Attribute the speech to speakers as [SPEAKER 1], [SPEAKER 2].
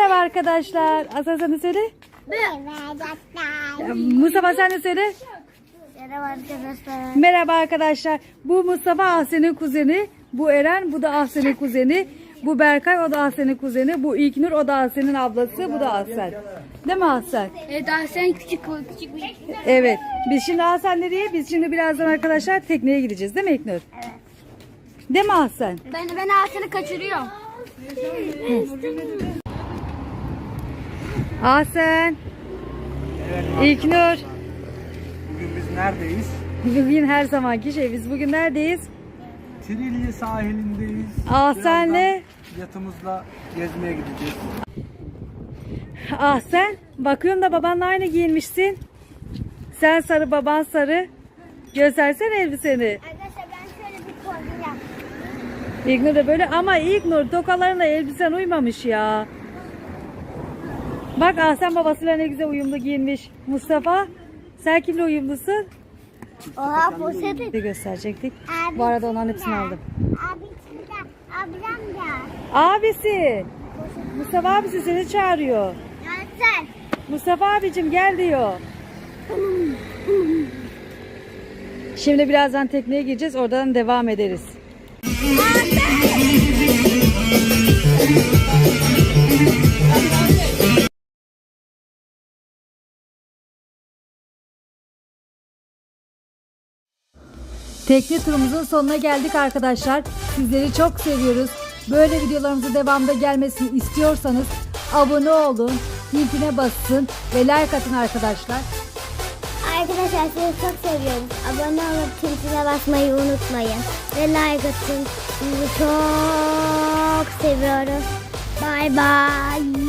[SPEAKER 1] Merhaba arkadaşlar. Aslan sen de söyle. Mustafa sen de söyle.
[SPEAKER 2] Merhaba arkadaşlar.
[SPEAKER 1] Merhaba arkadaşlar. Bu Mustafa Ahsen'in kuzeni. Bu Eren, bu da Ahsen'in kuzeni. Bu Berkay, o da Ahsen'in kuzeni. Bu İlknur, o da Ahsen'in ablası. Bu da Ahsen. Değil mi Ahsen?
[SPEAKER 2] Evet Ahsen küçük bir.
[SPEAKER 1] Evet. Biz şimdi Ahsen nereye? Biz şimdi birazdan arkadaşlar tekneye gideceğiz. Değil mi İlknur?
[SPEAKER 2] Evet.
[SPEAKER 1] Değil mi Ahsen?
[SPEAKER 2] Ben Ahsen'i kaçırıyorum.
[SPEAKER 1] Ahsen. İlknur.
[SPEAKER 3] Bugün biz neredeyiz?
[SPEAKER 1] Bugün her zamanki şey. Biz bugün neredeyiz?
[SPEAKER 3] Trilye sahilindeyiz.
[SPEAKER 1] Ahsen'le.
[SPEAKER 3] Birazdan yatımızla gezmeye gideceğiz.
[SPEAKER 1] Ahsen. Bakıyorum da babanla aynı giyinmişsin. Sen sarı, baban sarı. Göstersene elbiseni.
[SPEAKER 2] Arkadaşlar ben şöyle bir kombin yaptım.
[SPEAKER 1] İlknur da böyle ama İlknur tokalarına elbisen uymamış ya. Bak Ahsen babasıyla ne güzel uyumlu giyinmiş. Mustafa sen kimle uyumlusun?
[SPEAKER 2] Oha poşeti.
[SPEAKER 1] Bir gösterecektik. Bu arada onların hepsini aldım.
[SPEAKER 2] Abi burada. Ablam da.
[SPEAKER 1] Abisi. Mustafa abisi seni çağırıyor.
[SPEAKER 2] Ahsen.
[SPEAKER 1] Mustafa abicim gel diyor. Şimdi birazdan tekneye gireceğiz. Oradan devam ederiz. Tekne turumuzun sonuna geldik arkadaşlar. Sizleri çok seviyoruz. Böyle videolarımızın devamında gelmesini istiyorsanız abone olun, linkine basın ve like atın arkadaşlar.
[SPEAKER 2] Arkadaşlar sizi çok seviyoruz. Abone olup tintine basmayı unutmayın. Ve like atın. Sizi çok seviyoruz. Bye bye.